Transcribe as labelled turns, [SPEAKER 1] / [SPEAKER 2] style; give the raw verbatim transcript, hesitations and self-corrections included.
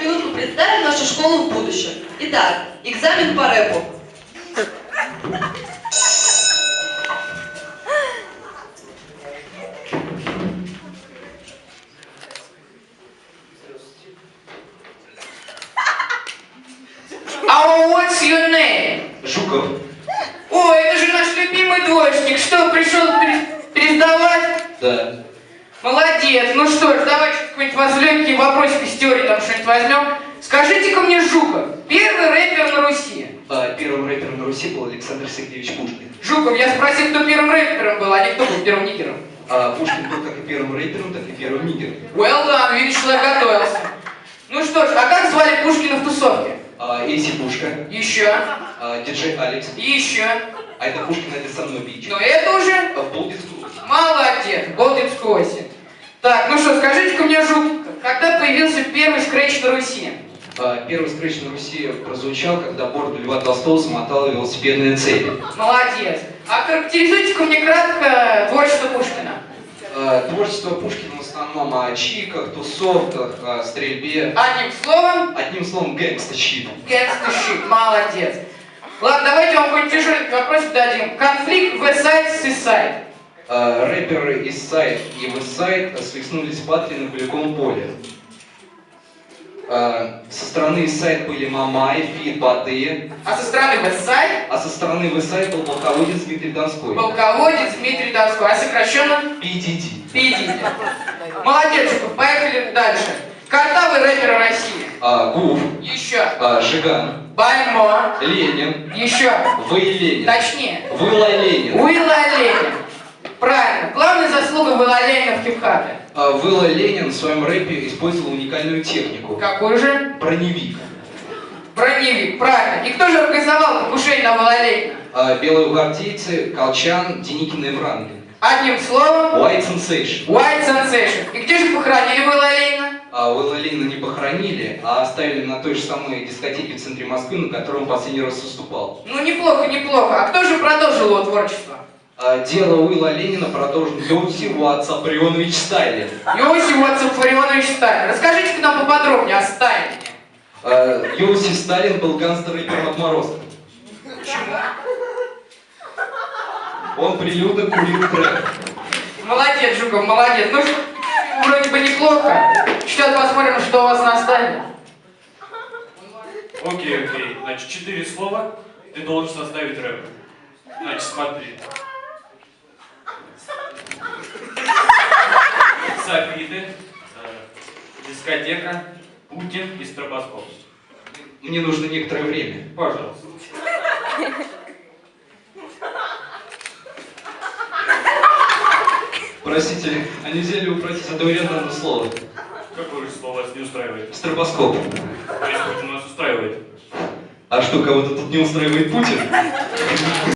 [SPEAKER 1] эту минутку представим нашу школу в будущем. Итак, экзамен по рэпу.
[SPEAKER 2] Oh, what's your name?
[SPEAKER 3] Жуков.
[SPEAKER 2] О, это же наш любимый двоечник. Что, пришел пере- пересдавать?
[SPEAKER 3] Да.
[SPEAKER 2] Молодец. Ну что ж, давайте какой-нибудь вас легкий вопросик из теории там что-нибудь возьмем. Скажите-ка мне, Жуков, первый рэпер на Руси.
[SPEAKER 3] А, первым рэпером на Руси был Александр Сергеевич Пушкин.
[SPEAKER 2] Жуков, я спросил, кто первым рэпером был, а не кто был первым нигером.
[SPEAKER 3] А Пушкин был как и первым рэпером, так и первым нигером.
[SPEAKER 2] Well done, видишь, человек готовился. Ну что ж, а как звали Пушкина в тусовке?
[SPEAKER 3] А, Эйси Пушка.
[SPEAKER 2] Еще.
[SPEAKER 3] А, диджей Алекс.
[SPEAKER 2] Еще.
[SPEAKER 3] А это Пушкин, это со мной бич.
[SPEAKER 2] Ну это уже...
[SPEAKER 3] А, в Болдинскую.
[SPEAKER 2] Молодец, Болдинскую осень. Так, ну что, скажите-ка мне, Жуков, когда появился первый скретч на Руси?
[SPEAKER 3] А, первый скретч на Руси прозвучал, когда бороду Льва Толстого замотала велосипедные цепи.
[SPEAKER 2] Молодец. А характеризуйте-ка мне кратко творчество Пушкина.
[SPEAKER 3] А, творчество Пушкина в основном о чиках, тусовках, о стрельбе.
[SPEAKER 2] Одним словом,
[SPEAKER 3] Одним словом, гэнгста-щит.
[SPEAKER 2] гангста-щит. Молодец. Ладно, давайте вам какой-нибудь тяжеленький вопросик дадим. Конфликт Westside-Seaside.
[SPEAKER 3] А, рэперы из Сайд и Вестсайд свихнулись в Патри на Куликовом поле. А, со стороны Сайд были Мамай, Фит, Баты,
[SPEAKER 2] А со стороны Westside
[SPEAKER 3] а со стороны Вестсайд был полководец Дмитрий Донской.
[SPEAKER 2] полководец Дмитрий Донской. А сокращенно?
[SPEAKER 3] пи ди ди.
[SPEAKER 2] пи ди ди. Молодец, Жуков, поехали дальше. Картавый рэпер России.
[SPEAKER 3] А, Гуф,
[SPEAKER 2] Еще.
[SPEAKER 3] а, Жиган,
[SPEAKER 2] Бальмо.
[SPEAKER 3] Ленин,
[SPEAKER 2] Еще.
[SPEAKER 3] Вы Ленин,
[SPEAKER 2] Точнее.
[SPEAKER 3] Вылла Ленин.
[SPEAKER 2] Уилла Ленин. Правильно. Главная заслуга Уилла Ленина в хип-хапе.
[SPEAKER 3] А, Вылла Ленин в своем рэпе использовал уникальную технику.
[SPEAKER 2] Какой же?
[SPEAKER 3] Броневик.
[SPEAKER 2] Броневик. Правильно. И кто же организовал покушение на Уилла Ленина?
[SPEAKER 3] А, белые гвардейцы, Колчан, Деникин и Врангель.
[SPEAKER 2] Одним словом,
[SPEAKER 3] White Sensation.
[SPEAKER 2] White Sensation. И где же похоронили Уилла Ленина?
[SPEAKER 3] А Уилла Ленина не похоронили, а оставили на той же самой дискотеке в центре Москвы, на которой он последний раз выступал.
[SPEAKER 2] Ну, неплохо, неплохо. А кто же продолжил его творчество?
[SPEAKER 3] А дело Уилла Ленина продолжен Иосиф Виссарионович Сталин.
[SPEAKER 2] Иосиф Виссарионович Сталин. Расскажите-ка нам поподробнее о Сталине.
[SPEAKER 3] А, Иосиф Сталин был гангстер-рэпером отморозком.
[SPEAKER 2] Почему?
[SPEAKER 3] Он прилюдно курил трэп.
[SPEAKER 2] Молодец, Жуков, молодец. Ну, вроде бы неплохо. Сейчас посмотрим, что у вас на Сталине.
[SPEAKER 4] Окей, окей. Значит, четыре слова. Ты должен составить рэп. Значит, смотри. Софиты, э, дискотека, Путин и стробоскоп.
[SPEAKER 3] Мне нужно некоторое время.
[SPEAKER 4] Пожалуйста.
[SPEAKER 3] Простите, а нельзя ли упросить этого рядом слова?
[SPEAKER 4] Какое же слово вас не устраивает?
[SPEAKER 3] Стробоскоп.
[SPEAKER 4] То есть Путин нас устраивает.
[SPEAKER 3] А что, кого-то тут не устраивает Путин?